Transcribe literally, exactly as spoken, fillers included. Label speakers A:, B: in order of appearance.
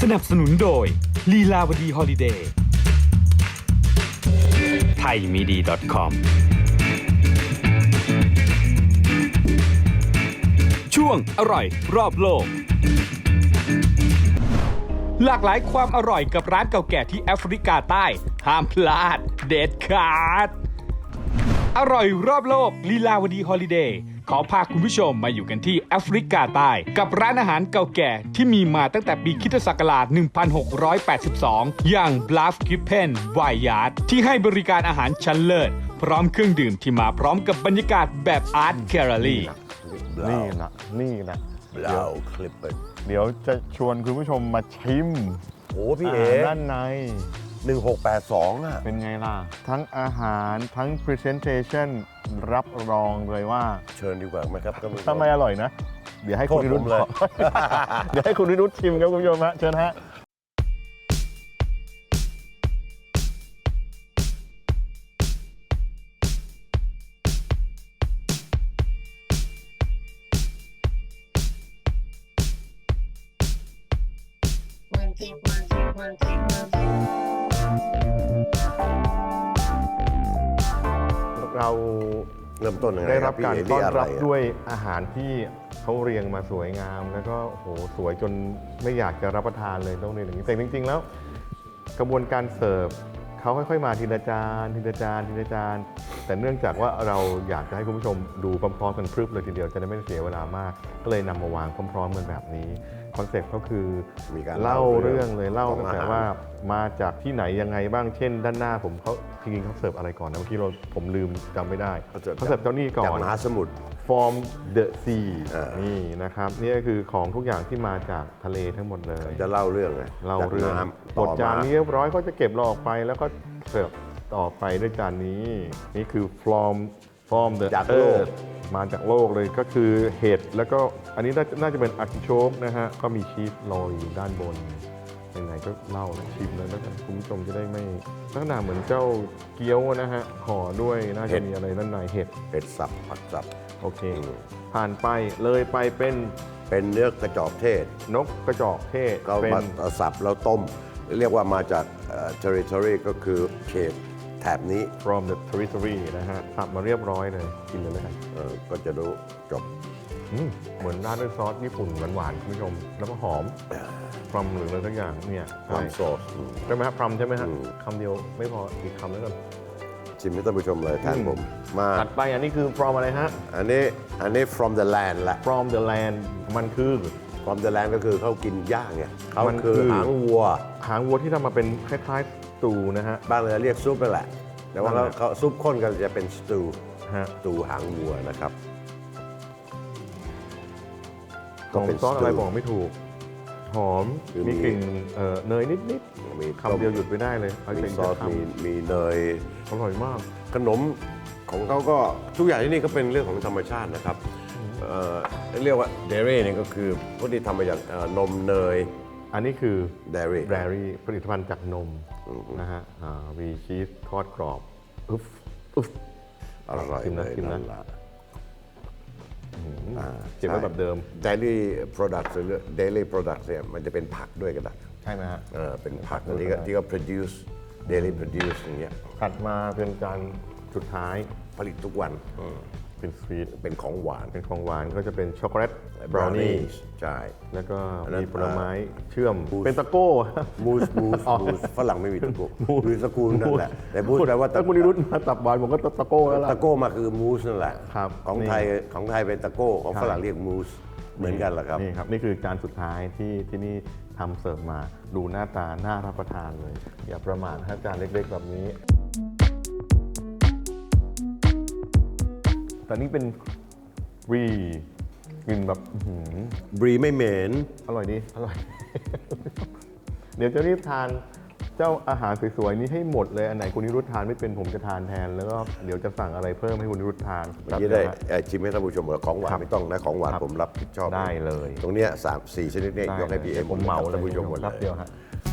A: นับสนุนโดยลีลาวดีฮอลิเดย์ไทยมีดี .com ช่วงอร่อยรอบโลกหลากหลายความอร่อยกับร้านเก่าแก่ที่แอฟริกาใต้ห้ามพลาดเด็ดขาดอร่อยรอบโลกลีลาวดีฮอลิเดย์ขอพาคุณผู้ชมมาอยู่กันที่แอฟริกาใต้กับร้านอาหารเก่าแก่ที่มีมาตั้งแต่ปีคริสตศักราช หนึ่งพันหกร้อยแปดสิบสอง อย่าง Bluff Kitchen Vineyard ที่ให้บริการอาหารชั้นเลิศพร้อมเครื่องดื่มที่มาพร้อมกับบรรยากาศแบบอาร์ตแกลเลอรี่
B: นี่นะนี่นะ
C: บราวน์คลิปเปอร์
B: เดี๋ยวจะชวนคุณผู้ชมมาชิม
C: โอ้พี่เอ๋
B: าหารด้านใน
C: หนึ่งหกแปดสองอ่ะ
B: เป็นไงล่ะ ทั้งอาหารทั้ง Presentation รับรองเลยว่า
C: เชิญดีกว่าไหมครับก็ไม่
B: ทำไมอร่อยนะ เดี๋ยวให้คุณ
C: โทษ
B: นิรุต
C: ผมเลย
B: เดี๋ยวให้คุณนิรุตชิมครับคุณผู้ชมฮะเชิญฮะ
D: One two one two one two one two.
B: เรา
C: เริ่มต้นยังไง
B: ได้
C: ค
B: รั
C: รั
B: บบ การ
C: พี่เอ๋
B: ต้อน
C: เยอะไร
B: รับ
C: อะ
B: ด้วยอาหารที่เขาเรียงมาสวยงาม แล้วก็โอ้โหสวยจนไม่อยากจะรับประทานเลยต้องเรียนอย่างนี้แต่จริงๆแล้วกระบวนการเสิร์ฟเขาค่อยๆมาทีละจานทีละจานทีละจานแต่เนื่องจากว่าเราอยากจะให้คุณผู้ชมดูพร้อมๆกันพรึบเลยทีเดียวจะได้ไม่เสียเวลามาก ก็เลยนำมาวางพร้อมๆกันแบบนี้คอนเซ็ปต์ก็คือ
C: มีการ
B: เล่าเรื่องเลยเล่า
C: ของ
B: ตั้งแต่
C: อาหาร
B: ว่ามาจากที่ไหนยังไงบ้างเช่น ด้านหน้าผมเขาจริงๆเขาเสิร์ฟอะไรก่อนนะเมื่อกี้เราผมลืมจำไม่ได้
C: เขาเสิร์ฟ
B: เขาเสิร์ฟเจ้านี่ก่อ
C: จาก
B: น
C: มหาสมุทร
B: From the sea
C: อ่า
B: นี่นะครับนี่ก็คือของทุกอย่างที่มาจากทะเลทั้งหมดเลย
C: จะเล่าเรื่องไง
B: เล่า
C: จาก
B: เรื่อง
C: น้ำ
B: บ
C: ต่
B: ด
C: อ
B: จาน
C: มา
B: นี้เรียบร้อยก็จะเก็บเราออกไปแล้วก็เสิร์ฟต่อไปด้วยจานนี้ นี่คือ from from the
C: จากโลก
B: earth มาจากโลกเลยก็คือเห็ดแล้วก็อันนี้น่าจะน่าจะเป็นอาร์ติโชกนะฮะก็มีชีสโรยอยู่ด้านบนไหนๆก็เล่าแล้วชิมเลยแล้วกันคุณผู้ชมจะได้ไม่ลักษณะเหมือนเจ้าเกี๊ยวนะฮะห่อด้วยน่าจะมีอะไรด้านในเห็ด
C: เป็ดสับผักสับ
B: โอเค
C: อืม
B: ผ่านไปเลยไปเป็น
C: เป็นเนื้อกระจอกเทศ
B: นกกระจอกเทศ
C: ก็
B: เป็น
C: มาสับแล้วต้ม เรียกว่ามาจากเอ่อ territory ก็คือเขตแถบนี้
B: from the territory นะฮะสับมาเรียบร้อยเลย กินเลยแล้วกัน
C: เอ่อก็จะรู้จบ
B: อืมเหมือนราดด้วยซอสญี่ปุ่นหวานๆคุณผู้ชม แล้วก็หอมพรัมหรืออะไรสักอย่างเนี่ย
C: ควา
B: ใช่
C: มโซสอืม
B: ใช่ไหมครับพรัมใช่ไหมฮะ
C: อืม
B: คำเดียวไม่พออีกคำแล้วกัน
C: ชิมให้ท่านผู้ชมเลยแทน
B: อืม
C: ผม มา
B: ตัดไปอันนี้คือ from อะไรฮะ
C: อันนี้อันนี้ from the land ละ
B: from the land มันคือ
C: from the land ก็คือเขากินย่างเนี่ยเขา
B: มัน
C: คือ
B: คือ
C: หางวัว
B: หางวัวที่ทำมาเป็นคล้ายๆสตูนะฮะ
C: บ้านเราเรียกซุปนั่นแหละ แต่ว่า
B: นั่น
C: เขา
B: แหละ
C: เขาซุปข้นกันจะเป็นสตู
B: ฮะ
C: สตูหางวัวนะครับ
B: หอมซอสอะไรบอกไม่ถูก หอม
C: คือ
B: มี
C: มี
B: กลิ่นเอ่อเนยนิด
C: มี
B: ๆคำเดียวหยุดไม่ได้เลยเอา
C: มี
B: เป็น
C: ซอส
B: คำ
C: มีมีเนย
B: อร่อยมาก
C: ขนมของเขาก็ทุกอย่างที่นี่ก็เป็นเรื่องของธรรมชาตินะครับเอ่อเรียกว่าเดรี่เนี่ยก็คือพวกที่ทำมาจากเอ่อนมเนย
B: อันนี้คือ
C: เดรี่
B: แบรี่ผลิตภัณฑ์จากนมนะฮะอ่ามีชีสทอดกรอบอึ๊บอึ๊บ
C: อร่อย
B: ชิม
C: เล
B: นะ
C: ย
B: ชิมนะ
C: นั่นแหละ
B: เก็บไว้แบบเดิม
C: เดลี่โปรดักต์หรือ daily product เนี่ยมันจะเป็นผักด้วยก็ได้
B: ใช่ไหมฮะ
C: เออเป็นผัก
B: ด้วย
C: ที่
B: ก็
C: ก็
B: ได้
C: ที่ก็ produce daily produce อย่างเงี้ย
B: ถัดมาเป็นจานสุดท้าย
C: ผลิตทุกวันอืม
B: เป็นสวีท
C: เป็นของหวาน
B: เป็นของหวานก็จะเป็นช็อกโกแลตบราวนี่
C: brownies ใช่
B: แล้วก็
C: อันนั้น
B: มีผลไม้เชื่อม
C: บูส
B: เป็นตะโก้
C: มูสมูส
B: อ๋อ
C: มูสฝรั่งไม่มีตะโก้คือตระกูลนั่นแหละ แต่มูสแปลว่า
B: ถ้าคุณนิรุตมาตับหวานผมก็ตะโก้แล้วล่ะ
C: ตะโก้มาคือมูสนั่นแหละ
B: ครับ
C: ของ
B: นี่
C: ไทยของไทยเป็นตะโก้ของฝรั่งเรียกมูสเหมือนกันแหละครับ
B: นี่ครับ นี่คือจานสุดท้ายที่ที่นี่ทำเสิร์ฟมาดูหน้าตาน่ารับประทานเลย อย่าประมาทถ้าจานเล็กๆแบบนี้ แต่นี่เป็นรีกินแบบอื้อหือบ
C: รีไม่เหม็น
B: อร่อยดีอร่อย เดี๋ยวจะรีบทานเจ้าอาหารสวยๆนี้ให้หมดเลย อันไหนคุณนิรุตทานไม่เป็นผมจะทานแทน แล้วก็เดี๋ยวจะสั่งอะไรเพิ่มให้คุณนิรุตทาน
C: เมื่อกี้ได้เอ่อชิมให้ท่านผู้ชมว่าของหวา
B: ครั
C: น
B: บ
C: ไม่ต้องนะของหวาน
B: ครับ
C: ผมรับผิดชอบ
B: ได้เลย
C: ตรงเนี้ยสามสี่ชนิดเนี่ย
B: ได้
C: ยกให้พี่เอ
B: ผมเหมาเลย
C: ท่านผู้ชมหมด
B: ครับ
C: เล
B: เดี
C: ย
B: ยวฮะ